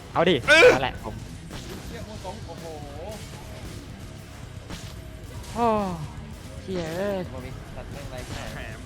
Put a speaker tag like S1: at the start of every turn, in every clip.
S1: เอาดินั่นแหละผม
S2: เชี่ยโมสองโอ้โห
S1: โอ้เชี่ยเอ้ย
S2: โมมิตัดเรื่องไรแค่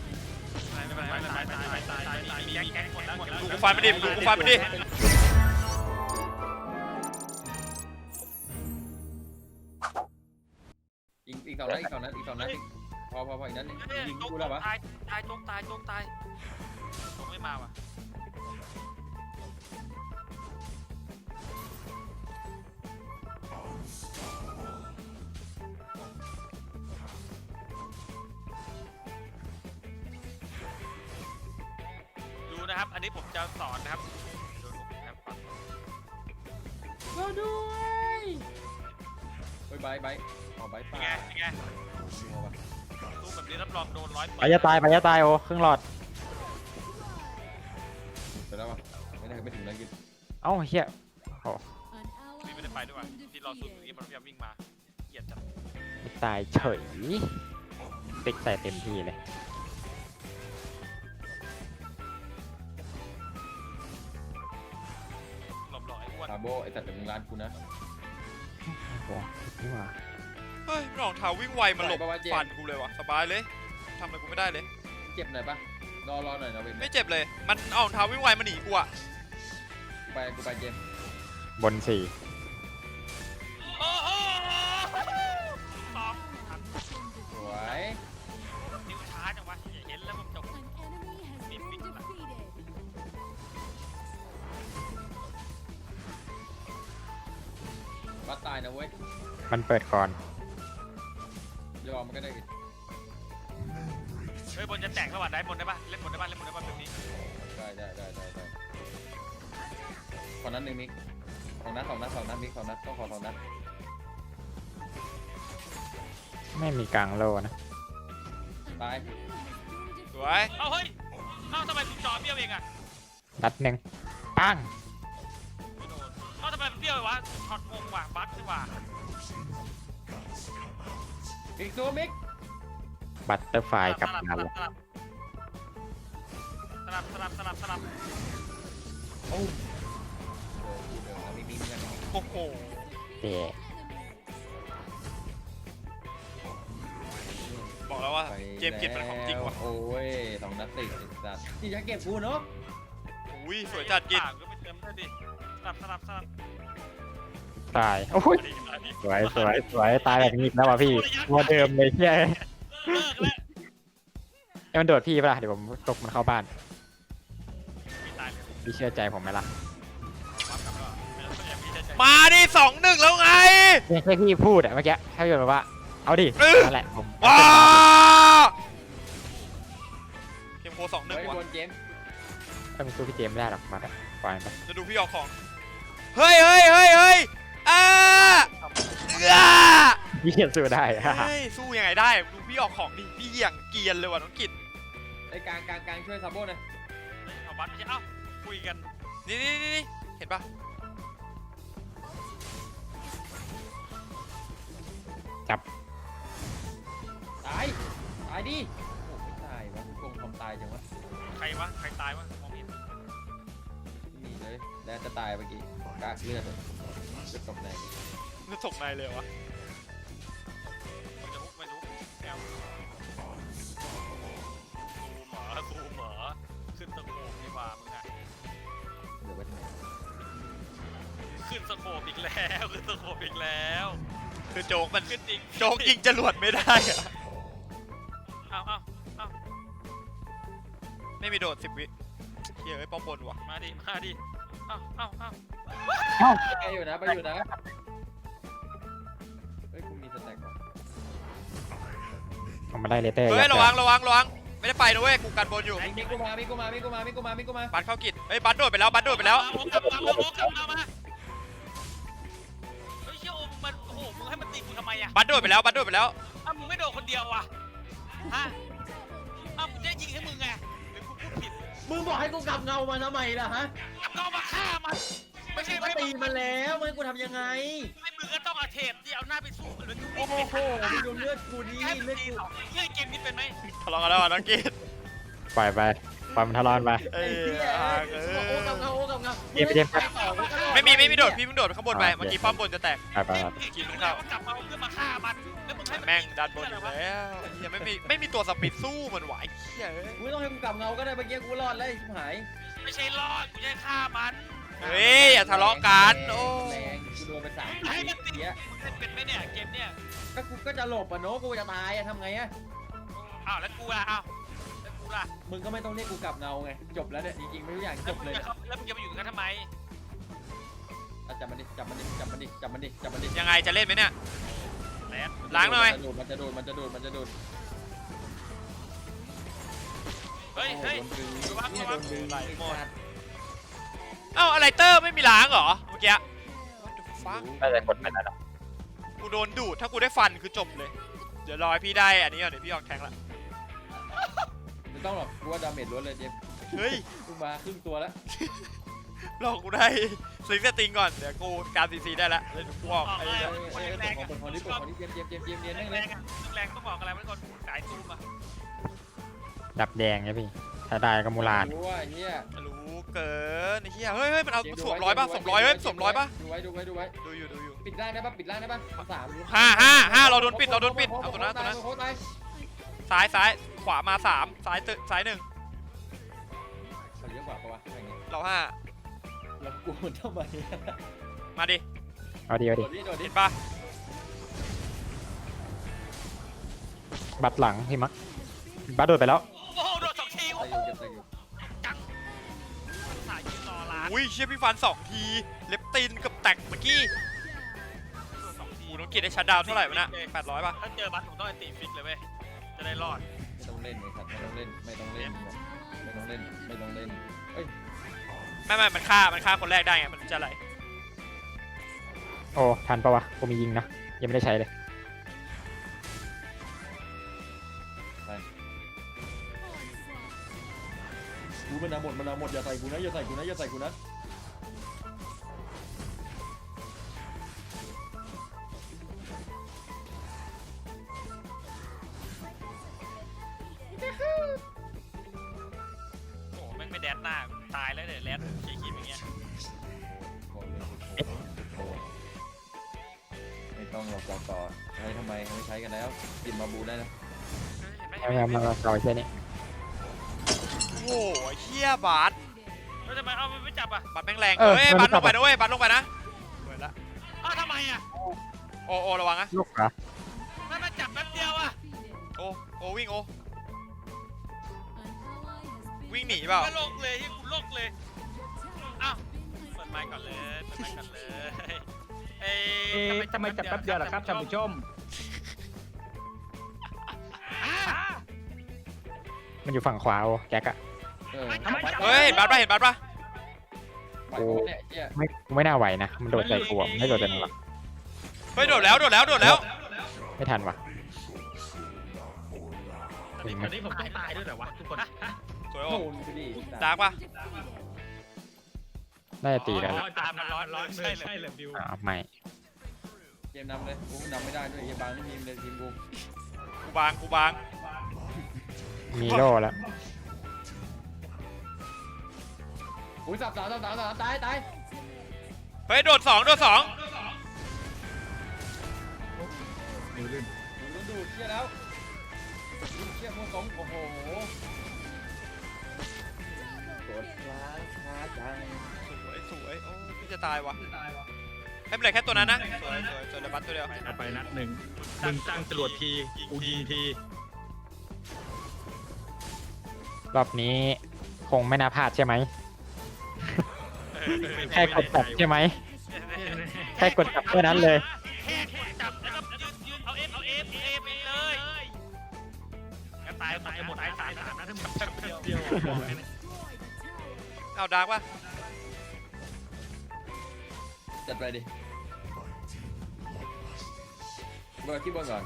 S3: ดูกูฟันไปดิดูกูฟันไปดิ
S2: อีกสองนัดอีกสองนัดอีกสองนัดพออีกนัดนึงยิงกูแล้ววะ
S3: ตายจงตายจงไม่มาว่ะดูนะครับอันนี้ผมจะสอนนะครับดูนะครับ
S2: ก็ด้วยเฮ้ยใบอ๋อใบ
S3: เป็น
S2: ป่า
S3: ไงเป็นไงตู้แบบนี้รับรองโดน100
S1: ไปจะตายโอ้ครึ่งหลอด
S2: ไปแล้ววะไม่ถึงแล้วกิน
S1: เอ้าเฮียโอ้
S3: นี่ไม่ได้ไปด้วยว่ะที่เราสูดเมื่อกี้มันพยายามวิ่งมาเกลียดจัง
S1: ตายเฉยติ๊กใส่เต็มที่เลย
S3: หลบหลอยอ้วน
S2: ซาโบไอ้ตัดจากมึงร้านกูนะ
S1: โอ้นี่ว่า
S3: เฮ้ยรองเท้าวิ่งไวมันหลบฟันกูเลยว่ะสบายเลยทำอะไรกูไม่ได้เลย
S2: เจ็บหน่อยปะรอหน่อยนะเว้ย
S3: ไม่เจ็บเลยมันเอารองเท้าวิ่งไวมันหนีกูอ่ะ
S2: กูไปเจม
S1: บนสี่
S3: โอ้โหสอง
S2: สวย
S3: นิ้วช้าจังวะเห็นแล้วมันจบมีปิดละ
S2: บัดตายนะเว้ย
S1: มันเปิดก่อน
S2: ยอมมันก็ได้
S3: เฮ้ยบนจะแตกระหว่างได้บนได้ปะเล่นบนได้ปะเล่นบนได้ปะแบบนี้
S2: ได้ขอนัดหนึ่งมิกสองนัดมิก2 นัดต้องขอ2 นัด
S1: ไม่มีกลางโลนะ
S2: ตาย
S3: สวยเอาเฮ้ยเอ้าทำไมกูจอเบี้ยวเองอะ
S1: นัดหนึ่งปัง
S3: ไม่โดนเอ้าทำไมมันเบี้ยววะช็อตงงว่ะบั๊กดีกว่า
S2: อีกตัวมิก
S1: บัตเตอร์ไฟกับงานละ
S3: สลับ
S2: โอ้เดินแล้วมิกกัน
S3: โอ้โห
S1: เจ๊
S3: บอกแล้วว่าเกมเก็บเป็นของจริงว่ะ
S2: โอ้ย2 นัดติดสัตว์ที่จะเก็บกูเนาะ
S3: อุ้ยสวยจัดกินก็ไปเติมด้วยดิสลับ
S1: ตายโอ้ยสวยตายแบบนี้อีกแล้วว่ะพี่ตัวเดิมเลยเชี่ย
S3: เลิกแล้ว
S1: ให้มันโดดพี่ป่ะเดี๋ยวผมตกมันเข้าบ้าน
S3: ไม่ตายเลย
S1: พี่เชื่อใจผมไหมล่ะ
S3: มาดิ2-1แล้วไง
S1: แค่พี่พูดอะเมื่อกี้แค่พี่บอกว่าเอาดินั่นแหละผม
S3: ว้าเกมโค2-1
S2: เฮ้ย
S3: ว่ะ
S2: บนเจม
S1: ถ้ามึงสู้พี่เจมไม่ได้หรอกมาแต่ปล่อยมันไป
S3: จะดูพี่ออกของเฮ้ยอ่า
S1: พี่เขียนสู้ได้
S3: เฮ้ยสู้ยังไงได้ดูพี่ออกของดิพี่อย่างเกียนเลยว่ะน้องกิต
S2: ไอ้กลางช่วยซาโบหน่อย
S3: เอาบัตรไม่ใช่เอ้าคุยกันนี่เห็นปะ
S1: จับ
S2: ตายดิโอ้ไม่ตายวะคงทำตายจังวะ
S3: ใครตายวะมองไม่เห็น
S2: ไม่มีเลยแล้วจะตายเมื่อกี้กากเลือดจะตกแรง
S3: จะตกในเลยวะมันจะฮุกแนวซูเหมอขึ้นสโคปดีกว่ามึงอะ
S2: เดี๋ยวไปทำไม
S3: ขึ้นสโคปอีกแล้วคือโจ๊กมันขึ้นจริงโจ๊กยิงจรวดไม่ได้อะเอาไม่มีโดด10 วิเฮ้ยป้อมบนว่ะมาดิเอา
S2: ไปอยู่นะเฮ้ยกูมีสแต็กว่ะ
S1: ผมมาได้เลเตอร์
S3: เฮ้ยระวังไม่ได้ไปนะเว้ยกูกันบนอยู่
S2: มิกูมา
S3: บัตรเข้ากิจเฮ้ยบัตรโดดไปแล้วเอามาเฮ้ยเชี่ยโอ้มันโอ้โหมึงให้มันตีกูทำไมอะบัตรโดดไปแล้วอ้าวมึงไม่โดดคนเดียววะฮะอ้าวมึงจะยิงให้มึงไงหรือกูพูดผิด
S4: มึงบอกให้กูกลับเงามาทำไมล่ะฮะ
S3: ก็มาฆ่ามันไม่ใช่
S4: ก็ตีมันแล้วมึงให้กูทำยังไง
S3: ไม่มึงก็ต้องเอาเทปที่เอาหน้าไปสู้มันเลย
S4: โอ้โหมึงดูเลือดกูดี
S3: แค่มึง
S4: เลือด
S3: ตี
S4: กู
S3: สองเฮ้ยเกมนี้เป็นไหม
S5: ทะเลาะกันแล้วน้องกีด
S1: ปล่อยมันทะเลาะไป
S5: เอ้
S4: ไอ้
S5: ย
S4: เหี้ยโอ้กับเงา
S1: เกม
S4: ไปต่อกูก็รอ
S3: ไม่มีโดดพี่เพิ่งโดดข้างบนไปเมื่อกี้ป้อมบนจะแตก
S1: ไป
S3: กิน
S5: มึง
S3: ข้าว
S5: กลับมาเพื่อมาฆ่ามันแล้วมึงให้
S3: แม่งดันบนอยู่แล้วยังไม่มีตัวสปีดสู้มันไหวเหี้ย
S4: กูไม่ต้องให้กูกลับเงาก็ได้เมื่อกี้กูรอดแล้วไอ้ชิบหาย
S5: ไม่ใช่รอดกูจะฆ่ามัน
S3: เฮ้ยอย่าทะเลาะกันโอ้
S4: แรงกูโดนไป3
S5: ให้มันติด
S4: เนี้ย
S5: มึงเล่นเป็นไหมเนี่ยเกมเนี่ย
S4: ก็กูก็จะหลบอ่ะเนาะกูจะตายอ่ะทำไงอ่ะ
S5: อ้าวแล้วกูล่ะอ้าวแล้วกูล่ะ
S4: มึงก็ไม่ต้องเรียกกูกลับเงาไงจบแล้วเนี่ยจริงๆไม่ทุกอย่างจบเลยเนี่ย
S5: แล้วมึงจะมาอยู่กันทำไม
S4: อ่ะจับมันดิจับมันดิจับมันดิจับมันดิจับมันดิ
S3: ยังไงจะเล่นไหมเนี่ย
S5: แลน
S3: ล้างหน่อย
S4: มันจะโดนมันจะโดนมันจะโดน
S5: เฮ้ย
S4: โอ้โห
S5: เฮ้ย
S4: โดนดึง
S5: ระวัง
S4: เนี่ย
S5: ระวั
S4: โด
S5: ง
S4: นดึง
S5: ไหล
S4: ไอ้
S5: หมด
S4: สัตว์
S3: เอ้าอะไรเตอร์ไม่มีล้างเหรอเมื่อกี้ What the fuck
S1: น่าจะกดไปแล้ว
S3: กูโดนดูดถ้ากูได้ฟันคือจบเลย เดี๋ยวรอให้พี่ได้อันนี้ก่อนเดี๋ยวพี่ออกแทงละ
S4: ไม่ต้องหรอกกูว่าดาเมจล้วนเลยเจมส์
S3: เฮ้ย
S4: กูมาครึ่งตัวแล้ว
S3: รอกูได้ซิงสติงก่อนเดี๋ยวกูการซีซีได้แล้วเดี๋ยวกูออกไอ้
S4: เอ้ย
S3: เหี้ย
S4: เอ้ยเอ้ยเปิดคอนี้เปิดคอนี้เจมส์เนียน
S5: แร
S4: นั่
S5: ง
S4: ง
S5: แร
S4: เลย
S5: งอะแรงต้องบอกอะไรมันก่อนสายซูมอ่ะ
S1: ดับแดงไงพี่ถ้าได้ก็มูลาน
S4: รู้ว่าไอ้เฮีย
S3: รู้เกินไอ้เหี้ยเฮ้ยมันเอาสวมร้อยป่ะสวมร้อยเฮ้ยสวมร้อยป่ะ
S4: ดูไว้
S3: ดูอยู่
S4: ปิดล่างได้ป่ะปิดล่างได้ป่ะสาม
S3: ห้าเราโดนปิดเอาตัวนั้น
S4: โค้ดตาย
S3: ซ้ายขวามา3ซ้าย1
S4: เขาเยอะกว่าปะวะอย่างเงี้ย
S3: เรา5
S4: แล้วกูมันทำไม
S3: มาดิ
S1: เอาดี
S4: โดดดิโดดดิ
S3: เห็นป่ะ
S1: บัตรหลังพี่มักบัตรโดดไปแล้ว
S5: โอ้โหโดน2 ที
S4: ตายอยู่เก็บตายอยู่
S5: จังสายยืนรอร้าน
S3: อุ้ยเชี่ยพี่ฟัน2 ทีเล็บตีนกับแตกเมื่อกี้กูต้องกินได้ชัดดาวน์เท่าไหร่วะน่ะ800ป่ะ
S5: ถ้าเจอบัสผมต้องไอตีฟิกเลยเว้ยจะได้รอด
S4: ไม่ต้องเล่นไอ้สัตว์ไม่ต้องเล่นไม่ต้องเล่นไม่ต้องเล่นไม่ต้องเล่นเอ้ย
S3: ไม่มันฆ่าคนแรกได้ไงมันจะอะไร
S1: โอ้ทันปะวะกูมียิงนะยังไม่ได้ใช้เลย
S4: กูมันหมดอย่าใส่กูนะอย่าใส่กูนะอย่าใส่กูนะ
S5: โอ้โหแม่งไม่แดนหน้าตายแล้วเดี๋ยวแลนขี้ขีบอย่างเงี้ย
S4: ไม่ต้องหรอกต่อใช้ทำไมไม่ใช้กันแล้วกินมาบูได้นะ
S1: มาเอาแค่นี้
S3: โอ้โหเชี่ยบาส
S5: แล้วทำไมเอามันไม่จับอ่ะ
S3: บาสแม่งแรงเฮ้ยบาสลงไปนะเว้ยบาสลงไปนะเปิดละ
S5: อ้าวทำไมอ่ะ
S3: โอระวังนะ
S1: ลูกเหรอ
S5: ไม่มาจับแป๊บเดียวอ่ะ
S3: โอวิ่งวิ่งหนีเปล่า
S5: ก็โลกเลยที่กูโลกเลยอ้าวเปิดไมค์ก่อนเลยเอ้ย
S6: ทำไมจับแป๊บเดียวล่ะครับท่านผู้ชม
S1: มันอยู่ฝั่งขวาโอ้แจ็คอะ
S3: เฮ้ยเห็นบาสป่ะ
S4: ไหวปะเนี่ยเหี้ย
S1: ไม่น่าไหวนะมันโดดใส่กูอะไม่โดดใส่มึงหรอก
S3: เฮ้ยโดดแล้ว
S1: ไม่ทันวะ
S6: ตอนนี้ผมต้องตายด้วยเหรอวะทุกคน
S3: สวย
S4: โด
S3: โอ้
S4: นไปดิ
S3: ดาร์กป่ะ
S1: น่าจะตีแล้ว
S6: ตามมันร้อนใช่เลยบิว
S1: ไม่
S4: เกมนำเลยกูนำไม่ได้ด้วยไอ้บางนี่ทีมเลยทีมกู
S3: กูบาง
S1: มีโล่แล้ว
S4: อุ้ยสับตาย
S3: เฮ้ยโดด2
S4: ดูเชี่ยแล้วเชี่ยมูสงโอ้โหกดล้างช้าจัง
S3: สวยโอ้พี่จะตายวะไม่เป็นไรแค่ตัวนั้นนะสวยเลยบัสตัวเดียว
S6: เอาไปนัดหนึ่งมึงตั้งจรวดทีกูยิงที
S1: รอบนี้คงไม่น่าพลาดใช่ไหมแค่กดจับใช่ไหมแค่กดจับแค่นั้นเลย
S5: แค่กดจับแล้วก็ยืนเอาเอฟไปเลยงั้นตายหมดตาย3นะถ้ามึงจับแป๊บเดียว
S3: เอาดาร์กป่ะ
S4: จัดไปดิเบิร์ดที่บนก่อน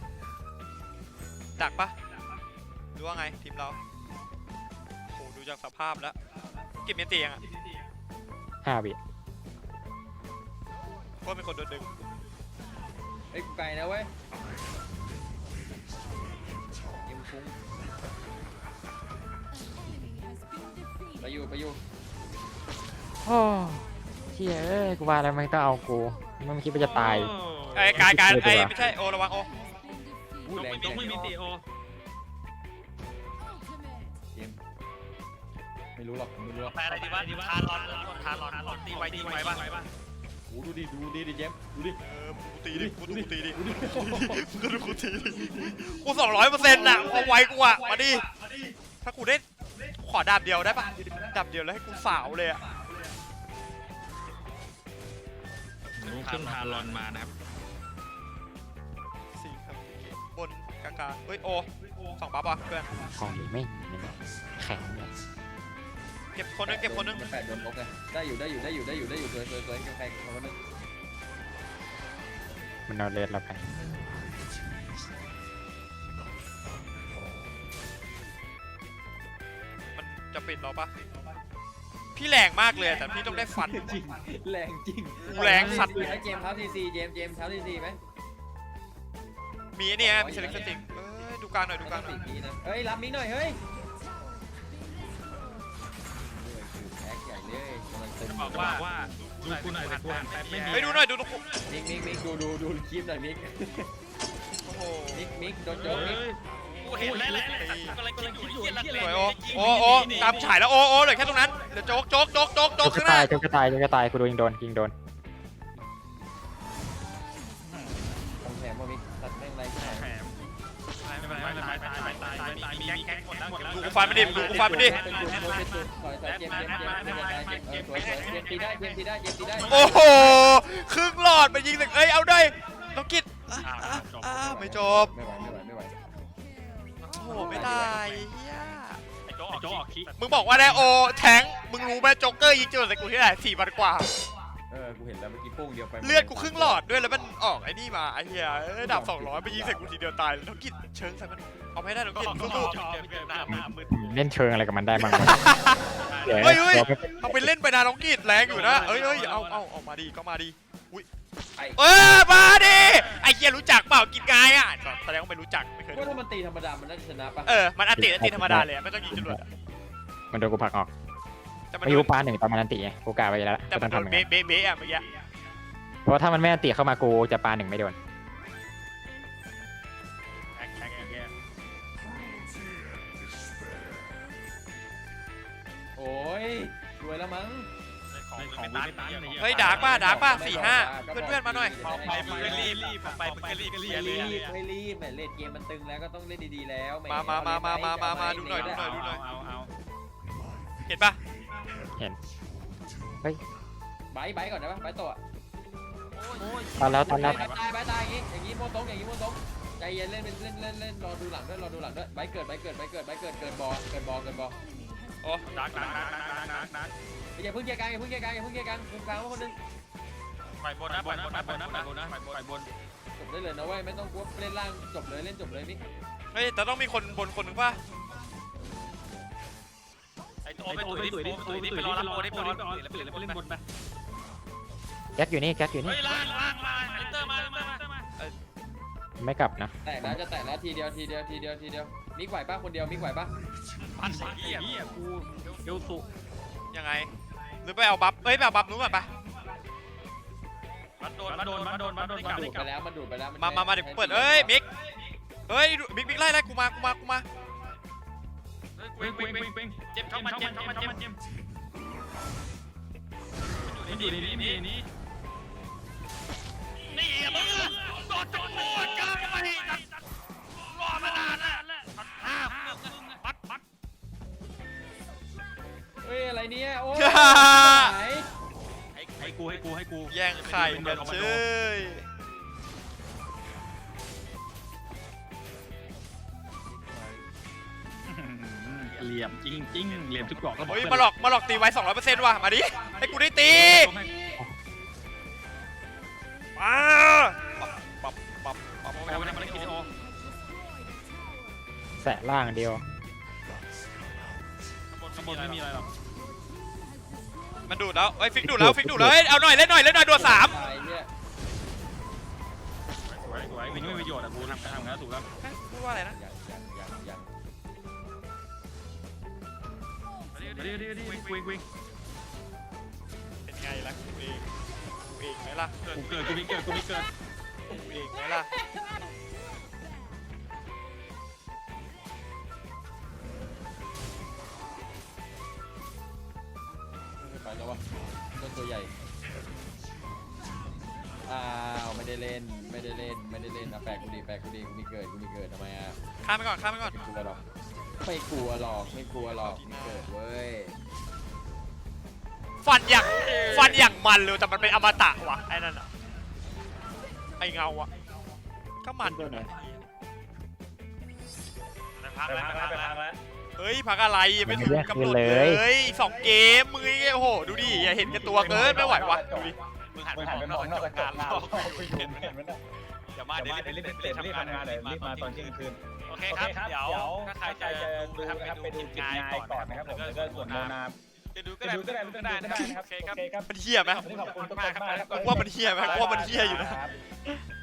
S3: ดักป่ะหรือว่าไงทีมเราโหดูจากสภาพแล้วเก็บเมียนตียังอ่ะ
S1: 5 วิ
S3: เพราะเป็นคนโดนดึง
S4: เอ้ยกูไกลนะเว้ยยิงฟุ้งไปอยู่
S1: เชี่ยเอ้ยกูว่าแล้วมันต้องเอากูมันไม่คิดว่าจะตาย
S3: ไอ้กายไอ้ไม่ใช่โอระวังโอ
S2: อู้แรง
S5: ยกไม่มีตีโอ
S2: ไม่รู้หรอกไม่รู้หรอก
S5: แปลอะไรดีวะทารอนตีไว้บ้าง
S2: โอ้ดูดิเจมดูดิ
S3: กูตีดิกูตีดิกูดูกูตีดิกู200%น่ะเอาไว้กูอ่ะมาดิถ้ากูได้ขอดาบเดียวได้ปะดาบเดียวแล้วให้กูสาวเลยอ่ะ
S6: รู้ขึ้นพารอนมานะครับ
S3: สี่ครับบนกลางเฮ้ยโอ2ปั๊บอ่ะเพื่อน
S1: ของนี้ไม่แข็งเนี่ย
S3: เก็บคนนึง
S2: มันแปดโดนลบไงได้อยู่สวยแข่งคนนึง
S1: มันเอาเลสเราไป
S3: มันจะปิดเราปะพี่แรงมากเลยแต่พี่ต้องได้ฟัน
S2: จริงแรงจริง
S3: กูแรงสัตว์
S2: ให้เจมเท้าทีซีเจมเท้าทีซีไหม
S3: มีเนี่ยมีเซเลคชั่นติงดูกลางหน่อย
S2: เฮ้ยรับมิกหน่อยเฮ้ยแท็กใหญ่เลยกำลังตึง
S5: บอกว่า
S6: ดูกูหน่อยแต่กูหันไปไม่มี
S3: เฮ้ยดูหน่อยดู
S2: มิกดูคลิปหน่อยมิก
S3: โอ้โห
S2: มิกโดนโจ๊กมิก
S5: กูเห็นแล้วกำลังคิดอยู่เหี้ย
S3: สวยโอตามฉายแล้วโอเหลือแค่ตรงนั้นเดี๋ยวโจ๊ก
S1: โจ๊ก
S3: ข้างห
S1: ตา
S3: น้าย
S1: โจ๊กตายกูโดนยิงโดน
S2: ต้องแถมว่ามิกตัดแม่งไรขึ้นมา
S5: ไม่เป็นไรตายมีแก๊กหมดแล้ว
S3: ดูกูฟันไม่ดิดูกูฟันไม่ดิ
S2: เป็นจุดถอยเจมสวยเจมตีได้
S3: โอ้โหครึ่งหลอดไปยิงหนึ่งเอ้ยเอาได้น้องกิตไม่จบ
S2: ไม่ไหว
S3: โอ้โหไม่ตายเฮีย
S5: ไอ้โจ๊กออกคิ
S3: มึงบอกว่าได้โอแทงมึงรู้ไหมโจ๊กเกอร์ยิงจนใส่กูที่ไหน4,000 กว่า
S2: กูเห็นแล้วเมื่อกี้โป้งเดียวไป
S3: เลือดกูครึ่งหลอดด้วยแล้วมันออกไอ้นี่มาไอ้เหี้ยดาบ200ไปยิงใส่กูทีเดียวตายน้องกิตเชิงใส่มันเอาไม่ได้น้องกิตสู้
S1: เล่นเชิงอะไรกับมันได้บ้าง
S3: ๆเฮ้ยเอาไปเล่นไปนะน้องกิตแรงอยู่นะเอ้ยเอามาดีก็มาดีอุ้ยมาดิไอ้เหี้ยรู้จักเปล่ากินกายอ่ะแสดงว่าไม่รู้จักไม่เคย
S2: ก็ถ้ามันตีธรรมดามันน่าจะชนะปะ
S3: มันอันติธรรมดาเลยไม่ต้องยิงจรวด
S1: มันโดนกูผลักออก
S3: แต่มัน
S1: ไม่รู้ปา1ตอนมันอันติไงกูกะไปแล้ว
S3: แต่มันโดนเบะอ่ะเมื่อกี้
S1: เพราะถ้ามันไม่อันติเข้ามากูจะปา1ไม่โดน
S2: โอ้ยรวยแล้วมั้ง
S3: เฮ้ยดาร์กป่ะ4-5เพื่อนมาหน่อย
S5: ไปรีบ
S2: ไม่รีบเล่นเกมมันตึงแล้วก็ต้องเล่นดีๆแล้ว
S3: มาดูหน่อยเห็นปะ
S2: ไบก่อนนะปะไบตัว
S1: ตอนแล้ว
S2: ตายอย่างนี้โมตงใจเย็นเล่นรอดูหลังด้วยไบเกิดบอ
S3: โอ้
S5: ดัก
S2: อย่าเพิ่งเกียร์กลางคุมกลางว่าคนนึง
S5: ไปบน
S2: จบได้เลยนะเว้ยไม่ต้องกลัวเล่นล่างจบเลยมิก
S3: เฮ้ยแต่ต้องมีคนบนคนหนึ่งป่ะ
S5: ไอ้โอ้ไปตุ๋ยไปรอรับโอ้ได้ไปเล่นบนไป
S1: แก๊กอยู่นี่
S5: เฮ้ยล่างไอ้เตอร์มา
S1: ไม่กลับนะ
S2: แตกแล้วจะแตกแล้วทีเดียวมิกไหวป่ะคนเดียวมิกไหวป่ะ
S5: ปั่นไอ้เหี้ยกูเอลสุ
S3: ยังไงหรือไปเอาบัฟไปเอาบัฟนู้นก่อนปะ
S5: มันโดนมันดูดไปแล้ว
S2: มันดูดไปแล้ว
S3: มาเดี๋ยวเปิดเอ้ยมิกมิกไล่กูมา
S5: วิ่งเจ็บเข้ามาเจ็บมันอยู่ในนี้นี่มึงโดนจับโคตรกล้าไปรอมานานแล้วปัด
S2: เฮ้ยอะไรเนี่ยโอ้ย
S5: ให้กู
S3: แย่งไข่กันเชย
S6: เหลี่ยมจริงเหลี่ยมทุกกรอกก็บอก
S3: เฮ้ยมาหลอกตีไว้200%ว่ะมาดิให้กูได้ตีมาปับ
S5: มันได้กินโอ
S1: แสะล่างเดียว
S5: ข้างบนไม่มีอะไรหรอก
S3: มันดูดแล้วฟิกดูดแล้วเอาหน่อยเล่นหน่อยโดด3
S5: สวยวิ่งไม่มีประโยชน์อ่ะกูทำงานถูกแล้ว
S3: พูดว่าอะไรนะ
S5: วิ่ง
S3: เป็นไงล่ะกูเองล่ะ
S6: กูเกิดกูมีเกิดกูมีเกิด
S3: กูเองไหมล่ะ
S2: ไปแล้ววะต้นตัวใหญ่อ้าวไม่ได้เล่นไม่ได้เล่นไม่ได้เล่นอ่ะแปลกกูดีแปลกกูดีกูมีเกิดกูมีเกิดทำไมอ่ะ
S3: ข้ามไปก่อนข้ามไปก่อน
S2: ไม่กลัวหรอกไม่กลัวหรอกไม่กลัวหรอกมีเกิดเว้ย
S3: ฟันอย่างมันเลยแต่มันเป็นอมตะว่ะไอ้นั่นอะไอ้เงาอะก็มันอยู่นะ
S5: ไปพักแล้ว
S3: เฮ้ยพักอะไรยังไม่ถึงกำหนดเลย2 เกมมึงไอ้โอ้โหดูดิอย่าเห็นกันตัวเกินไม่ไหววะดูดิ
S5: มึงหันไปมองนอกกระจกเห็นไหมอย่ามาเดี๋ยวรีบทำงานเลยรีบมาตอนเที่ยงคืนโอเคครับเดี๋ยวถ้าใครจะดูนะครับไปดูกิจงานก่อนนะครับผมแล้วก็ส่วนโมนาจะดูก็ได้ไม่ต้องได้นะครับโอเคครับ
S3: มันเหี้ยไหม
S5: ขอบคุณมากครับ
S3: ว่ามันเหี้ยไหมว่ามันเหี้ยอยู่นะ
S5: ครับ